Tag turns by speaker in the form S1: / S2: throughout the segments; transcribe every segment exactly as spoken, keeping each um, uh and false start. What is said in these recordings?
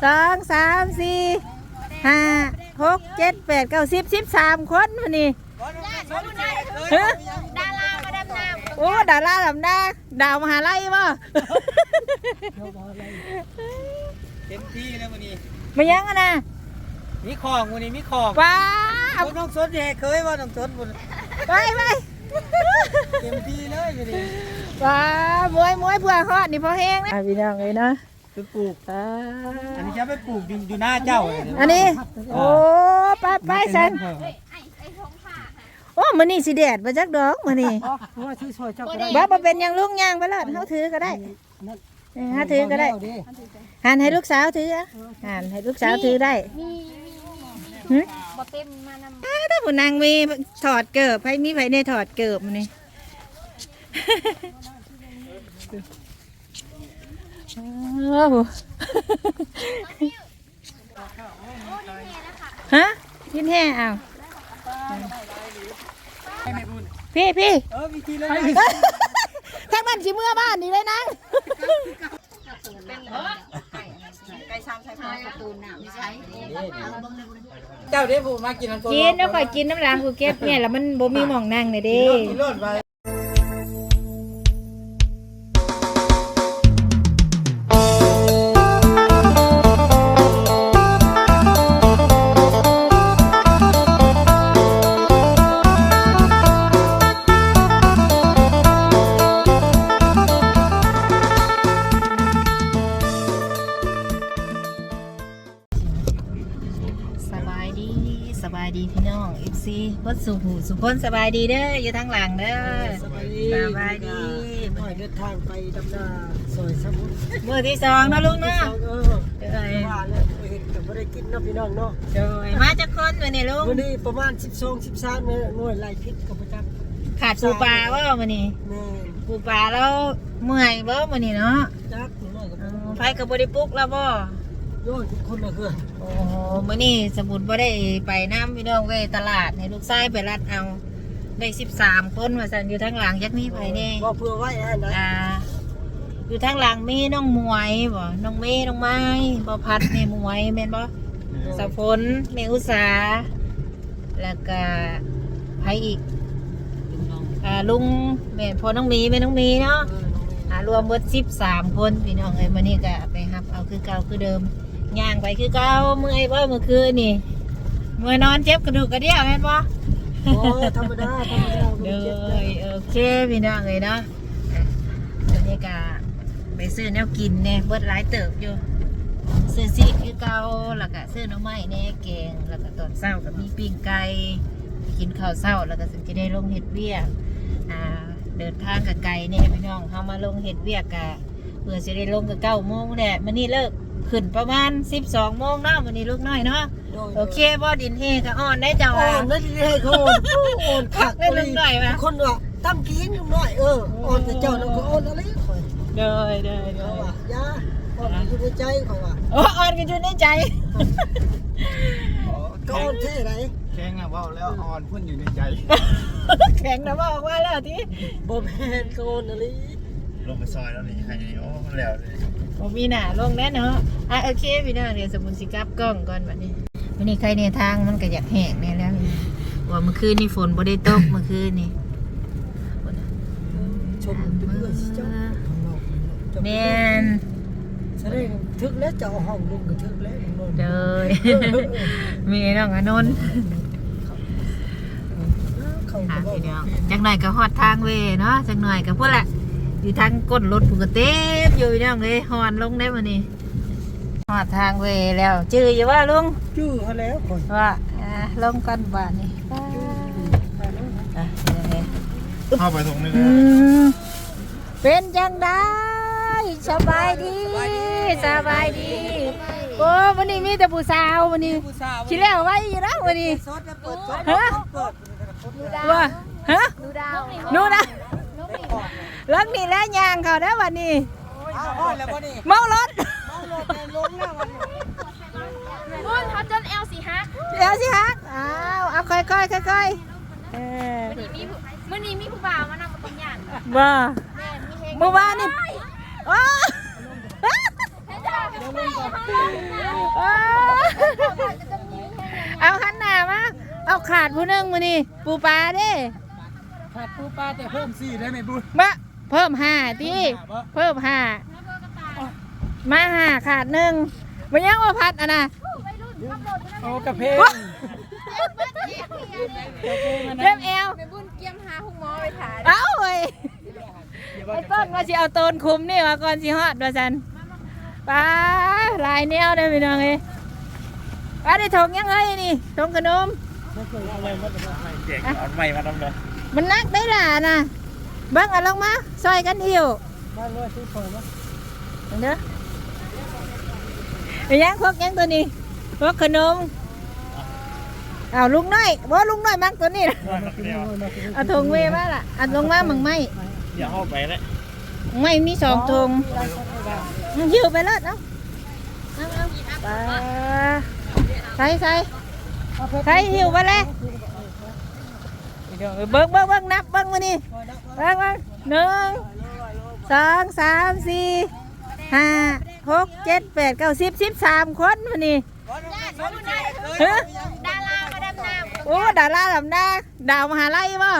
S1: สองสามสี่ห้าหกเจ็ดแปดเก้าสิบสิบสามคนวันนี้
S2: ดารามาดำน้ำ
S1: โอ้ดาราดำน้ำดาวมหาลัยป่ะ
S3: เต็มที่แล้ววันนี้
S1: มายังอะนะ
S3: มีของวันนี้มีของ
S1: ว้า
S3: น้องสนแย่เคยว่าน้องสนบุญ
S1: ไปไป
S3: เต็มที่เลยวันนี้
S1: ว้ามวยมวยเพื่อฮอดนี่พอแห้งนะพี่น้องเลยนะ
S3: ไปปลูกอันนี้จะไปปลูกอยู่หน้าเจ้า
S1: อันนี้โอ้ไปไปสันโอ้มันนี่สิแดดมาจากดอกมันนี่บ้าเป็นยังลุงยางไปแล้วเขาถือก็ได้ฮะถือก็ได้หันให้ลูกสาวถือหันให้ลูกสาวถือได้
S2: บ่เต็มมานำ
S1: ถ้าผู้นางมีถอดเกิบให้มีไผในถอดเกิบมันนี่ฮะยินแห่เอาพี่พี่ทั้งบ้านชิเมื่อบ้านนี่เลยนะ
S3: เจ้าเด้ผมมากินน้ำ
S1: กินแล้วค่อยกินน้ำล้างกูเก็บเนี่ยแล้วมันบ่มีหม่องนั่งเลยเด้สบายดีพี่น้องเอฟซีวัดสุขสุขคนสบายดีเด้ออยู่ทางหลังเด้อสบายดีสบายดี
S3: หน่อยเดินทางไปดำนาซอยสมุทร
S1: เมื่อที่สองนะลุงเนาะ
S3: เออว่าแล้วเห็นกับไม่ได้กินนะพี่น้องเนาะ
S1: โดยมาจากคนวันนี้ลุง
S3: วันนี้ประมาณสิบสองสิบสามหน่วยไล่พิษกับประจักษ์
S1: ขาดปูปลาว่าวันนี้ปูปลาแล้วเมื่อยบ่วันนี้เนาะ
S3: จักหน่อยกับ
S1: ไฟกับบริปุกแล้วบ่
S3: โย่ทุกคนเลยเพื่อน
S1: โอ้โหมื้อนี้สมุนบ่ได้ไปน้ำพี่น้องเว้ตลาดให้ลูกชายไปรัดเอาได้สิบสามคนว่าซั่นอยู่ทางหลังยักมีไผแน่
S3: บ่เพื่อไว้แอนนะ
S1: อ่าอยู่ทางหลังมีน้องมวยบ่น้องเมย์น้องไม้บ่พัดแม่มวยแม่นบ่สะพลแม่อุษาแล้วก็ไผอีกอ่าลุงแม่พ่อน้องมีแม่น้องมีเนาะอ่ารวมเบิดสิบสามคนพี่น้องเอ้ยมื้อนี้ก็ไปรับเอาคือเก่าคือเดิมย่างไปคือเก่าเมื่อยบ่เมื่อคืนนี่เมื่อนอนเจ็บกระดูกกระเดี่ยวแม่นบ่
S3: โอ้ธรรมดาธรรมดา
S1: เด้อโอเคพี่น้องเอ้ยเนาะบรรยากาศไปซื้อแนวกินเนี่ยเบิดหลายเติบอยู่ซื้อซีกคือเก่าแล้วก็ซื้อหน่อไม้แน่แกงแล้วก็ตอนเช้าก็มีปิ้งไก่กินข้าวเช้าแล้วก็ถึงจะได้ลงเฮ็ดเวียกอ่าเดินทางกับไก่เนี่ยพี่น้องเฮามาลงเฮ็ดเวียกกะเพื่อจะได้ลงกับเก้าโมงแหละมื้อนี้เลิกขึ้นประมาณสิบสองโมงเนาะมื้อนี้ลูกน้อยเนาะโอเคบ่ดินเฮก็อ่อนได้เจ้า
S3: อ่อนได้ดินเฮก็อ่อนอ่อนคัก
S1: ได้ลูกน้อยว่ะ
S3: คนว่าตั้มกินลูกน้อยเอออ่อนแต่เจ้านั่นก็อ่อนอะไรข่อย
S1: เด้อเด้อเด้
S3: อยาอ่อนอยู่ในใจข่อยว่า
S1: โอ้อ่อนกันอยู่ในใจ
S3: ก็อ่อนแท้ไหน
S4: แข็งอ่ะว่าแล้วอ่อนพุ่นอยู่ในใจ
S1: แข็งนะบอกว่าแล้วที่
S3: บ่แม่นก็อ่อนอะไร
S4: ลงไปซอยแล้วนี่ให้โอ้แล้วเลย
S1: ผมมีหนาลงแน่เนาะอ่ะโอเคพี่น้องเดี๋ยวสมุนสิกับกล้องก่อนวันนี้วันนี้ใครในทางมันก็อยากแหกแน่แล้วว่าเมื่อคืนนี่ฝนบ่ได้ตกเมื่อคืนนี่
S3: ชมไปด้วยสิเจ้า
S1: แม่น
S3: แสดงทึกแล้วเจ้าห้องลุงก็ทึกแล้ว
S1: เด้อมีน้องอนนท์อ่ะพี่น้องจังหน่อยก็ฮอดทางเวเนาะจังหน่อยก็พวกแหละอยู่ทางก้นรถผูกเต็มอยู่น้องเลยฮอนลงได้มานี่ฮอดทางเวแล้วจื้ออยู่ว่าลุง
S3: จื้อเขาแล้วก่อน
S1: ว่าลงกันบ้านนี่
S4: เข้าไปตรงนี้
S1: เป็นจังได้สบายดีสบายดีโอ้วันนี้มีแต่ผู้สาววันนี้ชิแล้วไว้อยู่แล้ววันนี้ฮะว่าฮะนู่นนะรถนี่แล้วยางเขาได้วันนี้เมารถ
S2: มุ่นเขาจนเอลสิฮัก
S1: เอลสิฮักอ้าวเอาค่อยค่อยค่อยค่อย
S2: เออมื่อนี้มีผู้บ่าวมานำมาเป็นอย่าง
S1: บ้าเมื่อวานนี่โอ้ว้าวเอาหันหน้ามาเอาขาดผู้หนึงมื้อนี้ปูปลาเด้
S3: ขาดปูปลาแต่เพิ่มสี่ได้ไหมบุญ
S1: มาเพิ่มห้าติเพิ่มห้ามาห้าขาดหนึ่งมันยังว่าพัดอ่ะนะ
S3: โอ้กระเพง
S1: เริ่มเอว
S2: ไปบุญเกียมหาหุ้งหมอไปถ่าย
S1: เอ้าเว้ยไอ้ต้นว่าสิเอาโตนคุมนี่มาก่อนสิฮอดว่าซั่นป้าลายแนวเด้อพี่น้องเอ้ยป้าได้ถงยังเฮ้ยนี่ถงขนม
S4: เจ๋งเอาใหม่มาทำเลย
S1: มันนักได้ล่ะนะเบิ่งเอาลงมาซอยกันหิว
S3: บ้านเลยที่เปิดมั้ย
S1: เด้อไอ้ยังพวกยังตัวนี้พวกขนมอ้าวลุงน้อยบ่ลุงน้อยมักตัวนี้ล่ะเอาถงเวมาล่ะเอาลงมามั่งไหม
S4: อย่าเข้าไปเลย
S1: ไม่มีสองถงหิวไปเลยเนาะเอาเอาไปใส่ใส่ใส่หิวไปเลยเบิ้งเบิ้งเบิ้งนับเบิ้งมานี่เบิ้งเบิ้งหนึ่งสองสามสี่ห้าหกเจ็ดแปดเก้าสิบสิบสามคนมานี่ฮะ
S2: ดารามาดำน้
S1: โอ้ดาราลำดาดาวมหาลัยป่ะ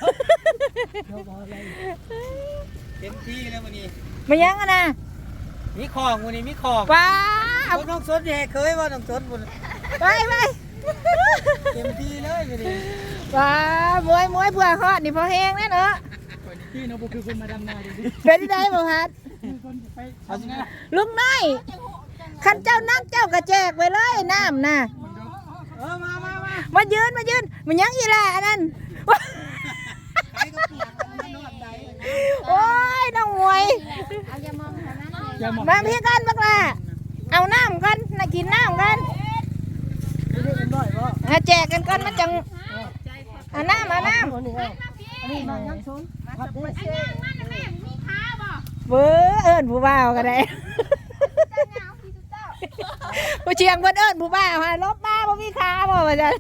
S3: เต็มที่แล้ววันนี้
S1: มายังอะนะ
S3: มีของวันนี้มีของ
S1: ว้า
S3: เอา
S1: ว
S3: น้องสดแย่เคยว่าน้องสดบุญ
S1: ไปไป
S3: เต็มที่เลยวันนี้
S1: ว้ามวยมวยเผื่อฮอดนี่พอแห้งแน่เนอะ
S3: พี่น้องบุคือคนมาดำนาดิ
S1: เป็นได้บ่ฮัด
S3: เอาสินะ
S1: ลุงน้อยขันเจ้านักเจ้ากระแจกไปเลยน้ำน่ะ
S3: เออมามามา
S1: มายืนมายืนมันยังอีหล่ะอันนั้น
S3: ใครก็เปียกมันนอนใด
S1: โอ้ยน้องมวย
S2: ำเอาอย่ามองแถวนั้นเลย
S3: อย่ามอง
S1: มาพี่กันบักล่ะเอาน้ำกันน่ากินน้ำกัน
S3: นี่เอ็นร้อยบ่
S1: มาแจกกันก่อนมันจังเอาน้ำเอาน้
S3: อันนี้เอาอันนี้มายังชนพัดเด้
S2: อันยังมันแม่มีขาบ่
S1: ำเบ้อเอิญผู้บ่าวก็ได้
S2: เจ้าเงาพี่เจ้า
S1: ผู้เชียงเพิ่นเอิญผู้บ่าวฮะลบมาบ่มีขาบ่ว่าจัง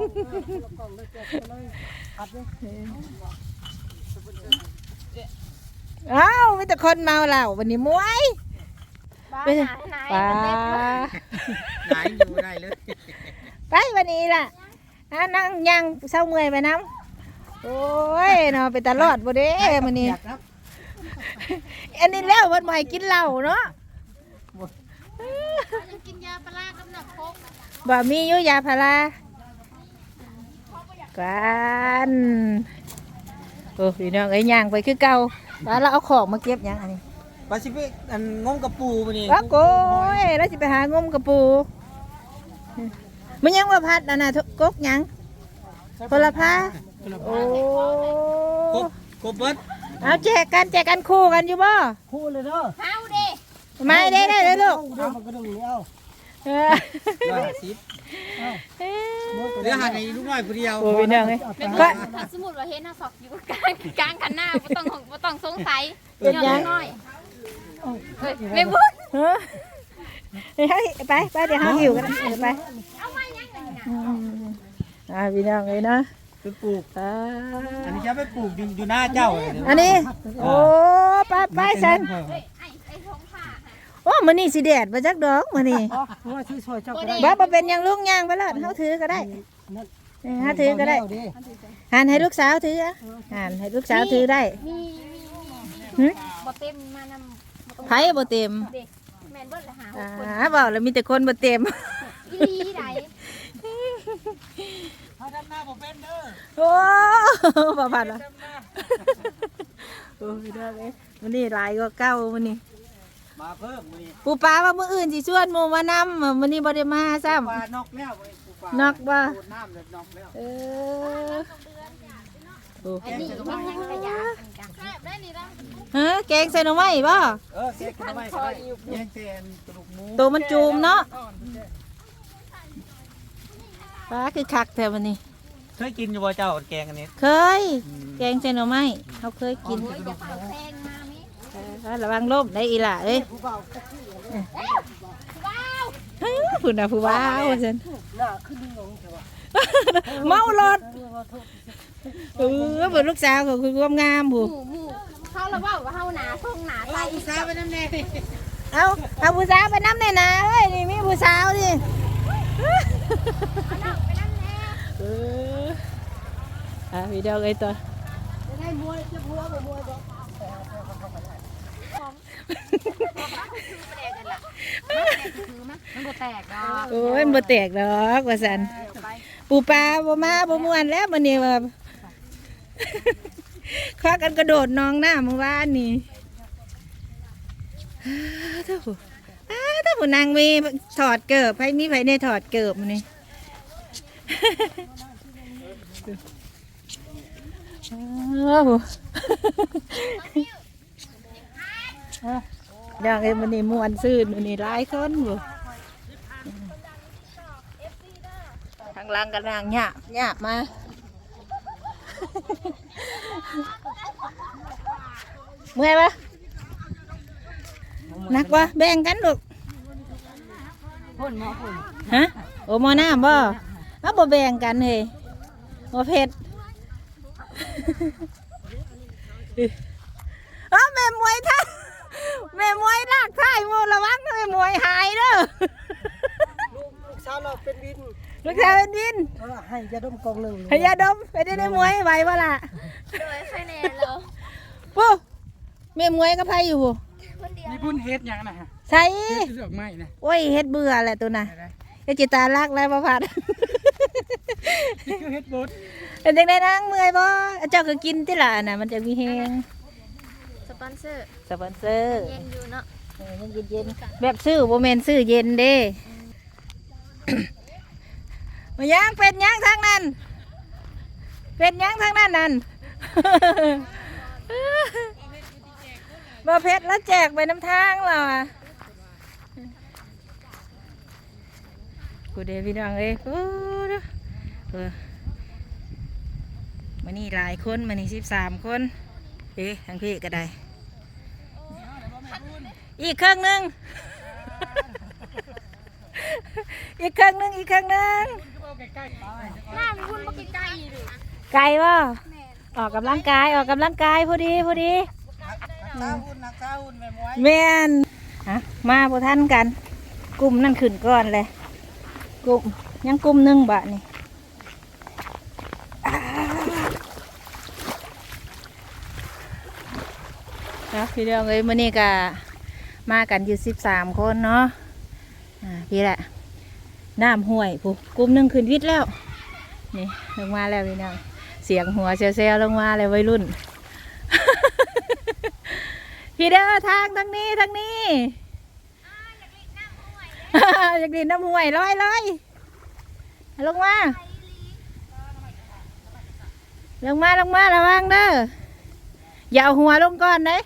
S3: พัดเด้
S1: เอ้ามีแต่คนเมาเหล้าวันนี้มวย
S2: บ้า
S1: ไป
S2: ไหนไหน
S1: ป้า
S3: ไหนอยู่ได้เลย
S1: ไปวันนี้ล่ะอ่ะนั่งยังเศร้าเมื่อยไปน้ำโอ้ยเนาะไปตลอดบ่เด้มื้อนี้อันนี้แล้วเพิ่นบ่ให้กินเหล้าเนาะ
S2: ยังกินยาปลากับหนักโคก
S1: บ่มีอยู่ยาพารากันโอ้พี่น้องเอ้ยย่างไปคือเก่าแล้วเราเอาของมาเก็บยังอันนี้
S3: ปลาชิฟิอันงมกระปูวันนี้
S1: ว่าโก้ยแล้วสิไปหางมกระปูมันยังว่าพัดนะนะกกยังพลพาโอ้
S3: กบกบเบิด
S1: เอาแจกกันแจกกันคู่กันอยู่บ่
S3: คู่เลยเด้อ
S2: เฮาเด้
S1: ไม่ได้ได้เลยลูก
S3: เอามากระดุมนี่เอา
S1: เออ
S3: ร้อยห้าสิบ
S1: เอ้ย
S3: เหลือหันให้ลูกน้อยผู้เดียว
S1: โอ้พี่น้องเอ้ย
S2: เป็น
S1: ก็
S2: ถ้าสมมุติว่าเห็นหน้าศอกอยู่กลางกลางคันหน้าบ่ต้องบ่ต้องสงสัย
S1: เป็นยัง
S2: น้อยเอ้ยแม่บุญ
S1: เออเฮ้ยไปไปเดี๋ยวเขาหิวกันนะเดี๋ยวไป
S2: เอามายังไงน่ะ
S1: อืมอ่าพี่น้องเลยนะ
S3: ไปปลูก
S1: อ่า
S3: อันนี้จะไปปลูกอยู่อยู่หน้าเจ้าเลย
S1: อันนี้โอ้ไปไปสัน
S2: เฮ้ยไอ้ไอ้ทงผ้า
S1: โอ้มันนี่สิแดดมาจากดอกมันนี่
S3: ว่าชื่อซอยเจ้าก็ได้
S1: บ้าบ่เป็นหยังลุงย่างไปแล้วเขาถือก็ได้เออเขาถือก็ได้หันให้ลูกสาวถืออะหันให้ลูกสาวถือได้
S2: มีมี
S1: หึ
S2: บ่เต็มมานำ
S1: ไผบ่เต็ม
S2: เด็กแม่นเบิดละหา
S1: อ่าบอกแล้วมีแต่คนบ่เต็ม
S2: อีหลีได
S3: ถ้าทำหน้าผมเป็นเด้อ
S1: โอ้บ่ผ่านละโอ้พี่น้องเอ้ยมันนี่หลายกว่าเก่ามันนี่
S3: มาเพิ่มมื้อนี้
S1: ปูปลาว่ามื้ออื่นสิชวนหมู่มานำมันนี่บ่ได้มาซ้ำ
S3: ปลานอกแล้วเว้ยปลูปลาน
S1: อกบ่
S3: โดนน้ำเลยนอกแล้ว
S1: เออโอ้
S2: อันนี้มันยังขยะแซ่บได้นี่ล่ะ
S1: ฮะแกงใส่หน่อไม้บ่
S3: เออเก็บขึ้นมาไว้แย่งแทนกระดูกหมู
S1: ตัวมันจูมเนาะปลาคือคักแท้วันนี้
S3: เคยกินอยู่บ่เจ้าแกงอันนี้
S1: เคย แกงใส่หน่อไม้เขาเคยกิน
S2: โอ้ยอย่าเป่าแพงมามิ
S1: เออระวังล่มได้อีหล่ะเอ้ย
S2: ว้าว
S1: เฮ้ยผู้น่ะผู้ว้าวว่าซั่น
S3: หน้าขึ้นลงใช่ป่ะ
S1: เมารถเออเบิ่งลูกสาวเขาคือความงามผู้
S2: หมูหมูเขาละว่าว่าเฮาหนาทงหนา
S3: เอ
S2: ตา
S3: ออุตส่าห์ไปน้ำแน่
S1: เอาเอาผู้สาวไปน้ำแน่นาเอ้ยนี่มีผู้สาวดิเอออ่ะพี่ดอกไอ้ตัว
S3: จะได้มวยจะพัวบ่มวยบ่
S2: มันบ่แตกดอก
S1: โอ้ยบ่แตกดอกว่าซั่นปูปลาบ่มาบ่ม่วนแล้วมื้อนี้ว่า คว้ากันกระโดดน้องหน้าเมื่อวานนี่อ้าเท่าผู้อ้าเท่าผู้นางมีถอดเกิบไผมีไผในถอดเกิบมื้อนี้ อ้าว อยากเอ็มวันนี้ม่วนซื่นวันนี้หลายคนบ่ทางหล่างกันนางหยาบหยาบมา เมื่อยปะหนักปะแบ่งกันลูก
S3: พ่นหมอพ่น
S1: ฮะโอ้หมอน้ำบ่เอาบ่แบ่งกันเฮ้ยบ่เผ็ด เอ้าแม่มวยท่าแม่มวยลากท่ายมูระวังแม่มวยหายเด้อ
S3: ลูกลูกสาวเราเป็นวิน
S1: ลูกชายเป็นดิน
S3: เออให้ยาดมกองหนึ่ง
S1: พยาดมไปได้ในมวยไหวบ่ล่ะ
S2: โดยคะแนนแล้ว
S1: ปุ๊แม่มวยก็ไผอยู่ปุ๊
S2: คนเดียว
S4: มีบุญเฮ็ดหยังนะฮะ
S1: ใส่
S4: เฮ็ดดอกไม้นะ
S1: โอ้ยเฮ็ดเบื่อแหละตัวน่ะเฮ็ดจิตาลักแล้วบ่พัด
S4: นี่คือเฮ็ดบุญ
S1: เป็นจังได๋นางเมื่อยบ่เจ้าก็กินติล่ะน่ะมันจะมีแฮง
S2: สปอนเซอร์
S1: สปอนเซอร์
S2: เย็นอยู่เนาะ
S1: เออยังเย็นๆแบบซื้อบ่แม่นซื้อเย็นเด้ มาย่างเป็นย่างทางนั้น เป็นย่างทางนั้นนั่น บ่เพชรแล้วแจกไปน้ำทางเราอ่ะกูเดพี่น้องเอ้ยโอ้เด้อเออมานี่หลายคนมานี่สิบสามคนเอ๊ะทางพี่ก็ได้ อีกเครื่องหนึง อีกเครื่องหนึงอีกเครื่องหนึง
S2: หน้ามีพุ่นบ่ไกลๆดิ
S1: ไก่บ่ออกกำลังกายออกกำลังกายพอดีพอดี
S3: ตาหุ่นนักตาหุ่นแม่มวย
S1: แม่นฮะมาพอท่านกัน กลุ่มนั่นขึ้นก่อนเลยกลุ่มยังกลุ่มหนึงบะนี่ครับพี่เรื่องเลยมื่อนี้ก็มากันอยู่สิบสามคนเนาะอ่าพี่แหละน้ำห้วยผู้กลุ่มหนึงขึ้นวิทย์แล้วนี่ลงมาแล้วพี่น้องเสียงหัวเซลล์ลงมาเลยวัยรุ่น พี่เด้อทางทางนี้ทางนี้ อยากดินน้ำห้วยลอยลอยลงมาลงมาลงมาระวังเด้ออย่าเอาหัวลงก่อนเด้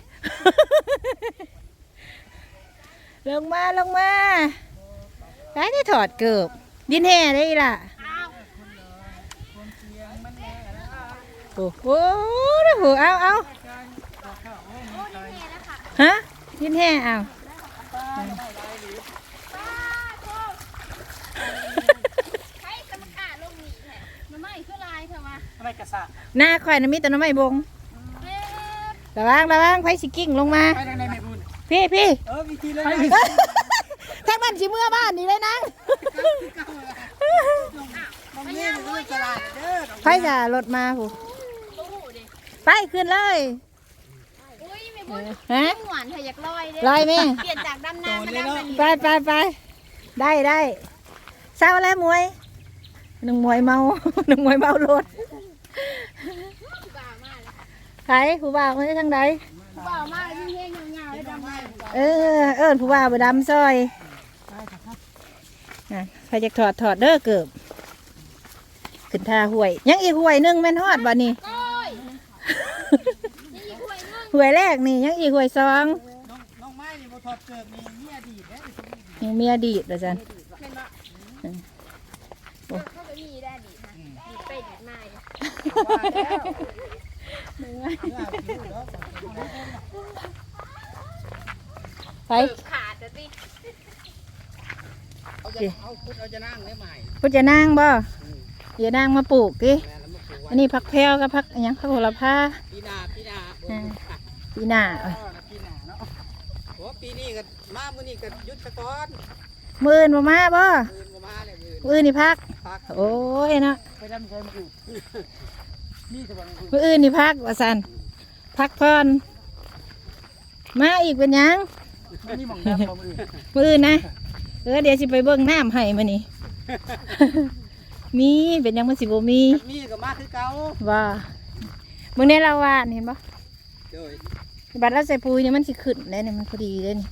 S1: ลงมาลงมาได้ที่ถอดเกือบดินแห่ได้ล่ะโอ้โหนะโหเอาเอาฮะดินแห่เอา
S2: ใช้กรรมการลงนี่แหละมันไม่คือลายเถอะวะ
S4: อะไรกระสะ
S1: หน้าข่อยนะมีแต่น้ำไม่บง
S2: เอ๊ะ
S1: ระวังระวังไฟสิกิ้งลงมา
S4: ไปทางไหนแม่บุญ
S1: พี่พี่
S3: เออวิธีเลย
S1: แท็กมันสิเมื่อบ้านนี่เลยนะ
S3: มองเนี่ยมันจะลายเด้อ
S1: ไฟจะรถมาผู้
S2: โอ้โหดิ
S1: ไปขึ้นเลย
S2: อุ้ยไม่พุ่น
S1: ฮะ
S2: หวานเธออยากลอยเด้
S1: ลอยไหม
S2: เปลี่ยนจากดำน้ำมาดำน้ำ
S1: ไปไปไปได้ได้เศร้าแล้วมวยหนึ่งมวยเมา หนึ่งมวยเมารถ
S2: บ่าวมากเลย
S1: ใครผู้บ่าวมาทางใด
S2: บ่าวมากยิ่งเฮงเงาๆเลยดำน้ำ
S1: เออเอิญผู้บ่าวไปดำซอยน่ะใครจะถอดถอดเด้อเกือบขึ้นท่าห่วย ยังอีกห่วยหนึงแม่นฮอดบ่นี่
S2: โอ้ยนี่อีกถ้วยนึง
S1: ห่วยแรกนี่ยังอีกห่วยสอง
S3: น้องไม้นี่บ่ถอดเกิดนี่เมียดีเด้อ
S1: ยังมีอดีตเหรอจัน
S2: เป็นบ่เขาก็มีได้ดีนะดีไปดีมาอยู่
S1: ไป
S2: ขาดจะดิ
S3: เอาจะเอาพุทธเอาจะนั่งได้ใหม่
S1: พุทธจะนั่งบ่อย่านั่งมาปลูกดิ
S3: แม่แล้วมาปลูกไว้
S1: อันนี้ผักแพรวกับผักอนหยังผักโหระพา
S3: ปีหน้าปีหน้า
S1: อ่า ปีหน้า
S3: เออปีหน้าเนาะโอ้ปีนี้ก็มามื้อนี้ก็หยุดซะก่อน
S1: มื่นบ่มาบ่
S3: มื้อบ่มาเลยมื้อ
S1: มื้ออื่นนี่พัก
S3: พัก
S1: โอ้ยเนาะ
S4: ไปดำใช้มือนี่สว่างมือ
S1: มื้ออื่นนี่พักว่าซั่นพักผ่อนมาอีกเป็นหยัง
S4: นี่มองดำเรามือ
S1: มื้ออื่นนะเออเดี๋ยวสิไปเบิ่งน้ำให้มื้อนี้ มีเป็นหยังมันสิบ่มี
S3: มีก็มาคือเก่า
S1: ว่ามื้อนี้เราว่าเห็นบ่
S3: โดย
S1: บัดเราใส่ปุ๋ยเนี่ยมันสิขึ้นได้เนี่ยมันพอดีเลยนี่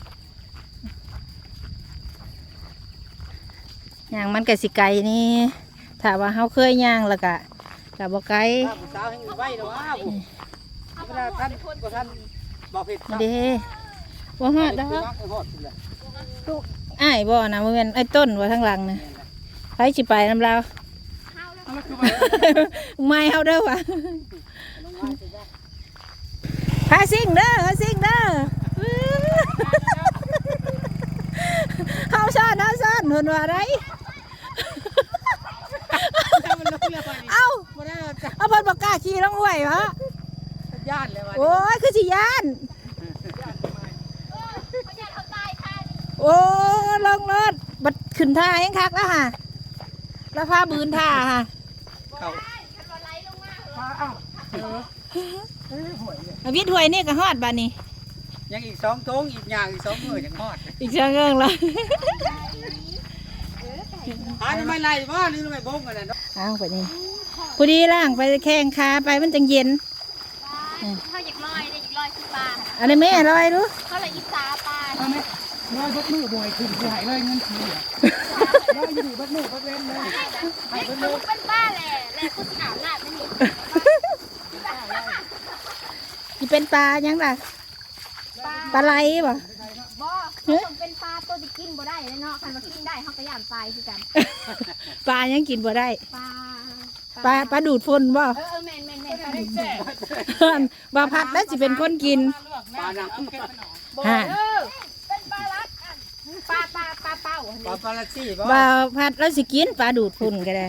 S1: ย่างมันก็สิไกลนี่ถ้าว่าเฮาเคยย่างแล้วก็ก็บ่ไกล
S3: ถ้าผู้สาวให้ไว้เนาะอ้าวเวลาท่านบ่ท่านบ่ผิด
S1: เด้บ่ฮอดดอก
S3: ฮอดพุ่นแหละ
S1: อ้ายบ่นะบ่แม่นไอ้ต้นว่าทางหลังน่ะไผสิไปนำเรา
S4: แล้วคือ
S1: ไม่เฮาเด้อว่ะพาซิ่งเด้อพาซิ่งเด้อเฮาซ่อนเฮาซ่อนเพิ่นว่าได้เอ้า
S3: บ่ได้จัก
S1: เอาเพิ่นบ่กล้าขี่ลงห้วยวะ
S3: ย่านเลยว่า
S1: โอ้ยคือสิย่าน
S2: เขาจะเขาตายค่ะ
S1: โอ้ลงรถบัดขึ้นท่าแฮงคักแล้วค่ะแล้วพาบืนท่าค่ะ
S3: เข้า
S2: คันว่าไหลลงมา
S4: ฟ้าอ้าวเออเฮ้ยหวยเลย
S1: เอาวิทย์ห้วยนี่ก็ฮอดบัดนี้
S3: ยังอีกสองทงอีกอย่างอีกสองมื้อจังฮอด
S1: อีกเชิงเอิงเลย
S3: หาทำไมไล่บ่หรือทำไมบงกันน่ะเนาะ
S1: อ้าวแบบนี้พอดีล่างไปแข่งขาไปมันจังเย็น
S2: เขาอยากลอยได้อยากลอยขึ้นปลา
S1: อันนี้แม่ลอยดู
S2: เขาเลยอิสาปลา
S4: เอาไหมร้อยบัดมือบ่อยขึ้นหายเลยเงินทีอ่ะร้อยอยู่บัดมือบัดเว้นเลย
S2: เฮ้ยคุณเป็นป้าแหละแหละคุณถามหน้าไม่มี
S1: ที่เป็นปลายังล่ะปลาไหลบ่
S2: บ่เขาเป็นปลาตัวที่กินบ่ได้เลยเนาะคันว่ากินได้เขาก็ย่านตายคือกัน
S1: ปลายังกินบ่ได้
S2: ปลา
S1: ปลาปลาดูดฝุ่นบ่
S2: เออเออแม่นแม่นแม่นปลาดุก
S1: บ่พัดแล้วสิเป็นคนกิน
S3: ปลาหนัก
S2: บ่
S1: ฮะ
S2: เออเป็นปลาลัดปลาปลาปลาเป้าอัน
S3: ปลา
S2: นี้
S3: ปลาลัดซี่บ่
S1: บ่พัดแล้วสิกินปลาดูดฝุ่นก็ได้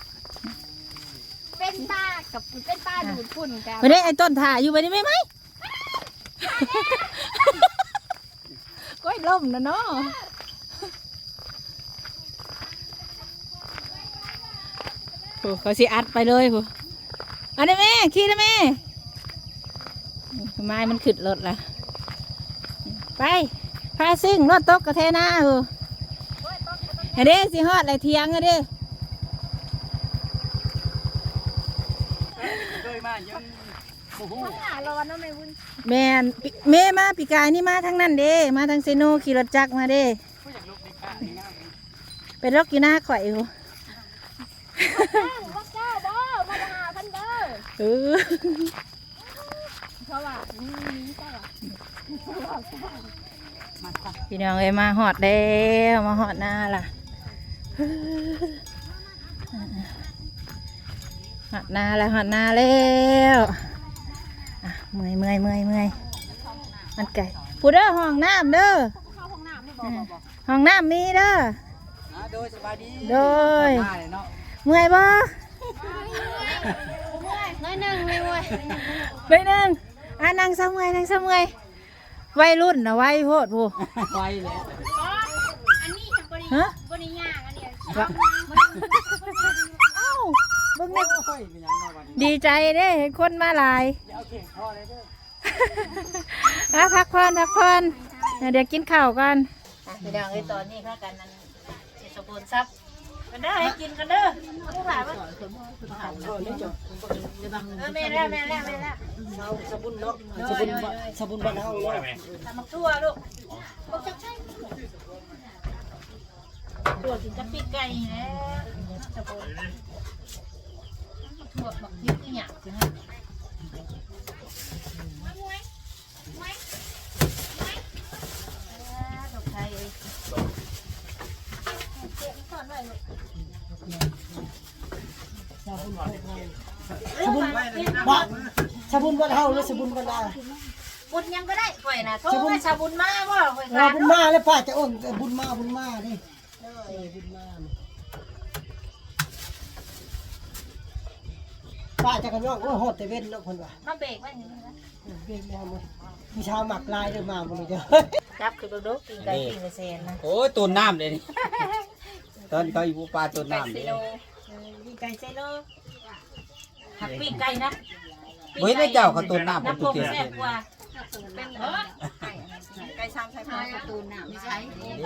S2: เป็นปลากับเป็นปลาดูดฝุ่นกัน
S1: ไม่ได้ไอ้ต้นถ่าอยู่ไปนี่ไหมไหมก้อยล่มนะเนาะโอ้เขาสิอัดไปเลยผู้อันนี้แม่ขี่นะแม่ไม้มันขึ้นรถละไปพาซิ่งรถตกกระเทน่าผู้อันนี้สิฮอดอะไรเทียงอันนี้
S3: เคยมายังโอ้โห
S2: ข้างหน้าร้อนเนาะแม่วุ้น
S1: แม่นปิแม่มาปีกายนี่มาทางนั้นเด้มาทางเซโนขี่รถจักรมาเด้
S4: ผู้อยากลุกในข้างนี้นะ
S1: เป็นรถกีน่าข่อยอยู่
S2: ว่าเจ้าบ่มาหาพันเด้อ
S1: เออ
S2: เพราะว่านี่นี่เจ้าอ่ะ
S1: พี่น้องเอ้ยมาหอดแล้วมาหอดหน้าล่ะหอดหน้าแล้วหอดหน้าแล้วอ่ะเมื่อยเมื่อยเมื่อยเมื่อยมันไก่ผู้เด้อห้องน้ำเด้อ
S2: เข้าห้องน้ำไม่บอกบอก
S1: ห้องน้ำมีเด้อ
S3: อ่าโดยสบายดี
S1: โดย
S3: มาเลยเนาะ
S1: เมื่อยบ่
S2: น้อยหนึ่งเลยเว้ย
S1: ไปหนึ่งอ่ะนั่งเสมอยนั่งเสมอยวัยรุ่นนะวัยโพดผู้
S3: ไปแล้ว
S2: อันนี้บริ
S1: ฮะ
S2: บริย่างอันนี้
S1: เอ้าเบิ่งนี่
S3: โอ้ยเป็นหยังเนาะวันนี้
S1: ดีใจเด้เห็นคนมาหลาย
S3: เดี๋ยวเอาเข่งพ่อเลยเด้อ
S1: อ่ะพักผ่อนพักผ่อนเดี๋ยวกินข้าวกันพี่น้องไอ้ตอนนี้พากันนั้นเจ็ดสมบูรณ์ซับกันเด้อให้กินกันเด้อผู้ผ่าว่าแม่แล้วแม่แล้วแม่แล้ว
S3: สบุนเนาะสบุนบ่สบุนบ้านเฮาเนาะ
S1: ทำมักทั่วลูกตัวกินจะปีกไก่แล้วสมบูรณ์ทั่วบักพริกอีหยังสิฮะดอกไทย
S3: สบุนบ่สบุนบ้านเฮาหรือสบุนบ้านลาว
S1: บุญยังก็ได้ข่อยนะโทรไปชาบุญมาบ่ข่อย
S3: เรา
S1: ขาด
S3: บุญมาแล้วป้าจะอ้นบุญมาบุญมาดิเออบุญมาป้าจะกันว่าโอ้โหดแต่เว้นเนาะคนว่า
S1: มาเบรกไว้อย่างนี้นะ
S3: เว้นมาหมดมีชาวหมักลายเดินมาหมดเลยเด้อ
S1: จับคือโดดกินไก่กินกระเซนนะ
S3: โอ้ยตูนน้ำเลยนี่
S1: เ
S5: ตอนเขาอยู่ปลาตัวน้ำ
S1: ไก่
S5: นี่
S1: เซโลปีไก่เซโลหักปีไก่นะ
S5: เฮ้ยได้เจ้าเขาตัวน้ำ
S1: น้ำ
S5: ตุ
S1: ป
S5: ก
S1: ง
S5: เกีย
S1: แซ่บกว่า
S2: เป็นเออไก่ซ้ำใช้ไม้ประตูน้ำไม่ใช่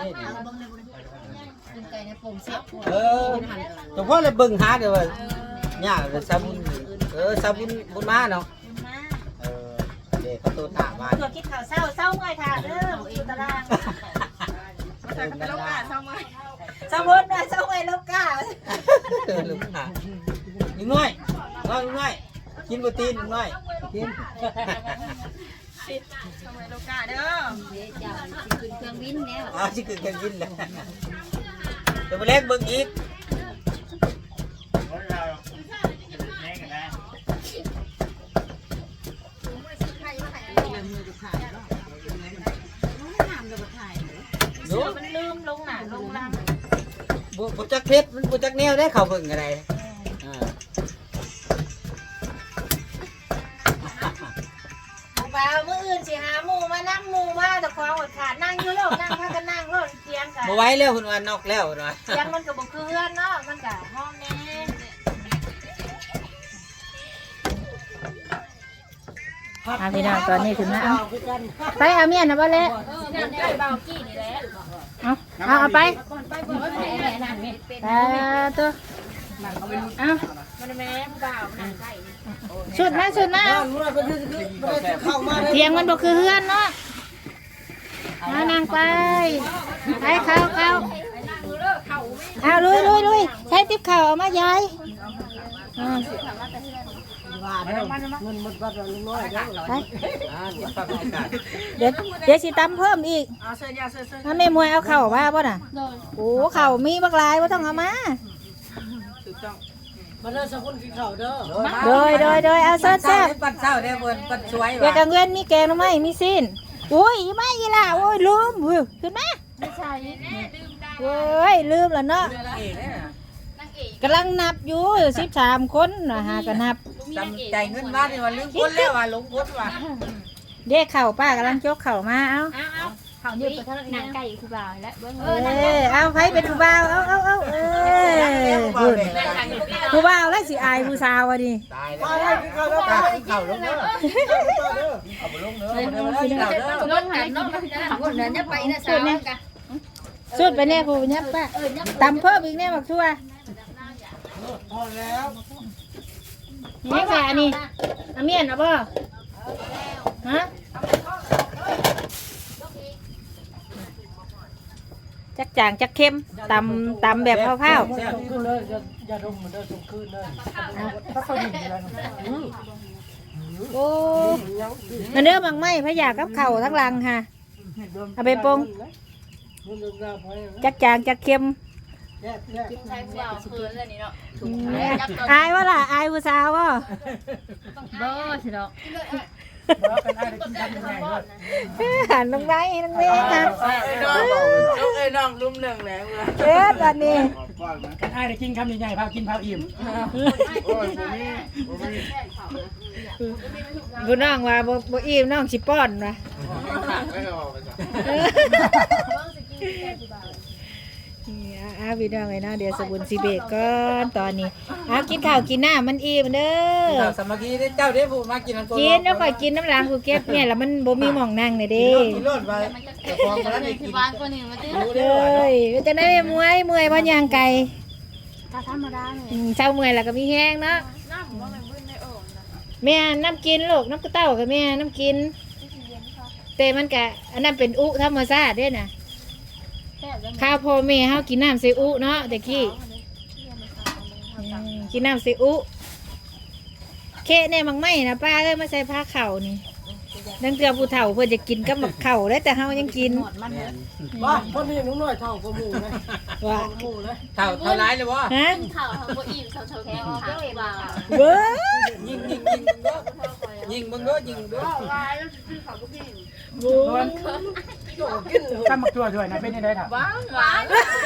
S1: เป็นไก่ในปงแซ่บกว่า
S5: เออเฉพาะเลยเบิ่งหาเดี๋ยวว่าเนี่ยเลยซาบุนเออซาบุนบุญมาเนาะ
S1: มา
S5: เออเด็กเขาตัวน้ำมา
S1: ตัวคิดข่าวเศร้าเศร้าไงค่ะเด้ออยู่ตาราง
S5: เดินกันได้
S1: เศร้าหมดนะเศร้าไงลูกก้า
S5: เออลูกหาลุงน้อยน้อยลุงน้อยกินโปรตีนลุงน้อยกิน
S2: ทำไมโลกาเด้อ
S1: ขึ้นเครื่องบินแล้ว
S5: อ้าวชิคกี้พายกินเลยเดี๋ยวไปเล็กเบิ่งอีก ดู
S1: มันลืมลงหนาลงลัง
S5: บุบุจักเพชรมันบุจักแนวได้เขาเบิ่งอะไรอ่า
S1: บ่าวมื้ออื่นสิหาหมู่มานั่งหมู่มาแต่ความอดขาดนั่งอยู่โลกนั่งพากันนั่งโลกเตียงกัน
S5: บ่ไหว้แล้วคุณว่านอกแล้วนะ
S1: เตียงมันก็บ่คือเฮือนเนาะมันก็ห้องแน่อ่ะพี่น้องตอนนี้ถึงแล้วเอาไปเอาเมียนนะบ่เละ
S2: นั่นได้เบากี้นี่แหละ
S1: เอาเอาเอาไป
S2: ไปบ่แม่แม่นั่นแม่เป็น
S1: แต่ตัวเอา
S2: มันแม่เบานั่งไก่
S1: ชุดนะชุดนะเตียงมันบ่คือเฮือนเนาะมานั่งไปไปเข้าเข้าเอาลุยลุยลุยใช้ติ๊บเข่าเอามายายอ่า ไป
S5: อ่านี่ฟังอากาศ
S1: เดี๋ยวเดี๋ยวสิตำเพิ่มอีกถ้าแม่มวยเอาเข่าว่าป่ะน่ะโอ้เข่ามีบักลายว่าต้องเอามา
S3: มาเลิกสักคนกินข้าวเด้อ
S1: โดยโดยโดยเอาเซิร์ฟ
S5: เช้า
S1: แซ่บ
S5: ได้ปัดเช้าได้เบิ่นปัดสวย
S1: เดี๋ยว
S5: ว่ะ
S1: กลางเว้นมีแกงหรือไม่มีสิ้นอุ้ยไม่อีล่ะโอ้ยลืมอุ้ยขึ้นมา
S2: ไม่ใช่
S1: โอ้ยลืมแล้วเนาะ
S5: เอ๋เนี่ย
S2: นางเอก
S1: กำลังนับอยู่สิบสามคนนะฮะก็นับ
S5: จำใจเงินมาเนี่ยว่าลืมพ้นแล้วว่าหลงพ้นว่ะ
S1: เด็กเข่าป้ากำลังจกเข่ามาเอา
S2: เอาเอาเขาเยอะไปเท่าไหร่นางไก่คือบ่าวแล้วเบิ้ง
S1: เออเอาไผเป็นผู้บ่าวเอาเอาเอาเออพุ่นผู้บ่าวแล้วสิอายผู้สาวอ่ะดิ
S5: ตายแล้วตายเข่าลงเด้อเอาบ่ลงเด้อเอาบ่ลงเด้อเด้อ
S2: รถกันเนาะคนนั้นจะไปนะสาวกัน
S1: สุดไปแน่ผู้ยับป้าตำเพิ่มอีกแน่บักทั่ว
S4: พอแล้ว
S1: นี่ค่ะอันนี้อาเมียนเอาบ่ฮะจักจางจักเข้มตำตำแบบเผา
S4: ส่งขึ้นเลยอย่าอย่าดมเหมือนเดิมส่งขึ้นเลยถ้าเขาดิ่งอะไร
S1: ๆโอ้มันเนื้อมังไหมพะยากับเข่าวทั้งหลังค่ะเอาไปปรุงจักจางจักเข้ม
S4: แยกแยก
S2: ใช้บ่าวคืนเลยนี่เนาะ
S1: อืมอายว่าล่ะอายผู้สาวว่า
S2: บ่สิเนาะ
S4: ว่ากันได้กินทำยังไงเลย
S1: หันลงไปลงไปค่ะ
S3: ไอ้น้องไอ้น้องลุ่มหนึ่งแล้ว
S1: เอ๊ะตอนนี้
S4: กันได้กินคำใหญ่ๆพากินพาอิ่ม
S1: ผู้น้องว่าบ่บ่อิ่มน้องสิป้อนว่ะนี่อ่ะอ่ะพี่น้องไอ้เนาะเดี๋ยวสบุนสิเบรกก่อนตอนนี้อ่ะกินข้าวกินน้ำมันอิ่มเด้อ
S5: เราสามัคคีได้เจ้าได้ผู้มากินน้ำตัว
S1: กินแล้วค่อยกินน้ำล้างกูเก็บเนี่ยแล้วมันบ่มีหม่องนั่งเลยเด้
S5: กินรถไปแต่ฟองมาแล้วได้กิน
S2: บ้านคนนี้มาตื้อ
S5: รู้
S1: เล
S5: ได้ว่าย
S1: จะได้เมื่อยเมื่อยเพราะย่างไก่
S2: ถ้าธรรมดาเนี่ย
S1: อืมเช้าเมื่อยแล้วก็มีแห้งเนาะ
S2: น้ำว่ามันบึ้นในโอ่งนะ
S1: แม่น้ำกินลูกน้ำกระเต้ากับแม่น้ำกินแต่มันกะอันนั้นเป็นอุธรรมชาติเด้น่ะ
S2: แซ่บแล้ว
S1: ข้าวพ่อแม่เฮากินน้ำใส่อุเนาะแต่กี้อืมกินน้ำใส่อุเคะเนี่ยมังไม่นะป้าเลยมาใส่ผ้าเข่านี่ดังเตือผู้เฒ่าเพื่อจะกินกับหมักเข่าได้แต่เฮายังกิน
S4: ว่าคนนี้น้องน้อยเท่ากับหมูเลย
S1: ว่า
S4: หมูเลย
S5: เท่าเท่าไรเลยวะ
S1: ฮะ
S2: ข่าวเขาบ่อิ่มเท่าเท่าแค่ข่าวบ่าว
S1: เบ้อ
S5: ยิงยิงยิงยิงมึงก็ยิงมึงก็ยิงมึงก็
S2: ลายแล้วคือเขาบ่อิ่ม
S4: ตั้มมาตัวด้วยนะเป็นยังไงถาม
S2: หวานหวาน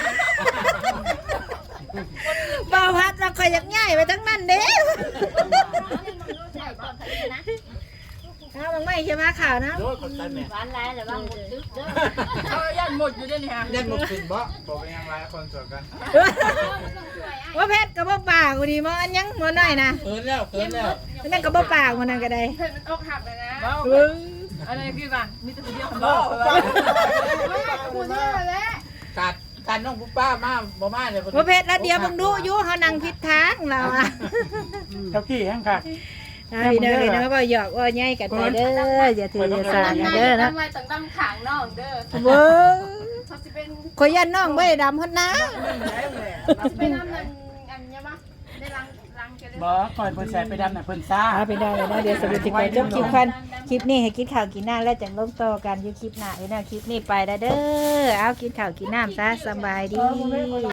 S1: บ่าวพัดเราคอยอยากง่ายไปทั้งนั้นเด้
S2: ใช่ก่อนเขานะ
S1: เอามังไม่อยใช่ไหมข่าวนะ
S5: โดนคนตายแม่
S2: ร้านไรหรือว่าหมดดึกเด้อ
S3: เอายันหมดอยู่ด้วยนี่ฮะ
S5: ได้หมดขึ้นบ่บอกเป็นยังไงคนสวยกัน
S1: ว่าเพชรกับบ่ปากกูดีมั้งอันยังมัน้อยนะ
S5: เกินแล้วเกินแล้ว
S1: นั่นกับบ่ปากมันนั่นก็ได้
S3: เพื่อนมันอกหักเลยนะ
S1: เอ้ย
S3: อะไรคือป่ะมีแต่คนเดียวคน
S5: บ่
S3: กูเนี่ยแหละ
S5: กัดกัดน้องปุ๊ป้ามาบ่มาเลย
S1: ว่าเพชรแล้วเดียวมึงดูอยู่เฮานั่งผิดทางเราอ่ะ
S4: เจ้ากี้แห้งค่ะ
S1: พี่น้องพี่น้องบ่หยอกว่าใหญ่กันไปเด้ออย่าถืออย่าสากันเด้อนะ
S2: ทำไมต้องตั้งขางน้องเด้อ
S1: เว้ย
S2: เขาสิเป็น
S1: ขอยยันน้องบ่ได้ดำฮอดนะ
S2: เป็นน้ำมันอันเนี้ยมั้งได้รังรังกันเลย
S4: บ่ก่อนเพิ่นใส่ไปดำน่ะเพิ่นซ่า
S1: อ่าพี่น้องพี่น้องเดี๋ยวสรุปสิไปจบคลิปกันคลิปนี้ให้กินข้าวกินน้ำแล้วจังลงต่อกันอยู่คลิปหน้าพี่น้องคลิปนี้ไปแล้วเด้อเอากินข้าวกินน้ำซะสบายดี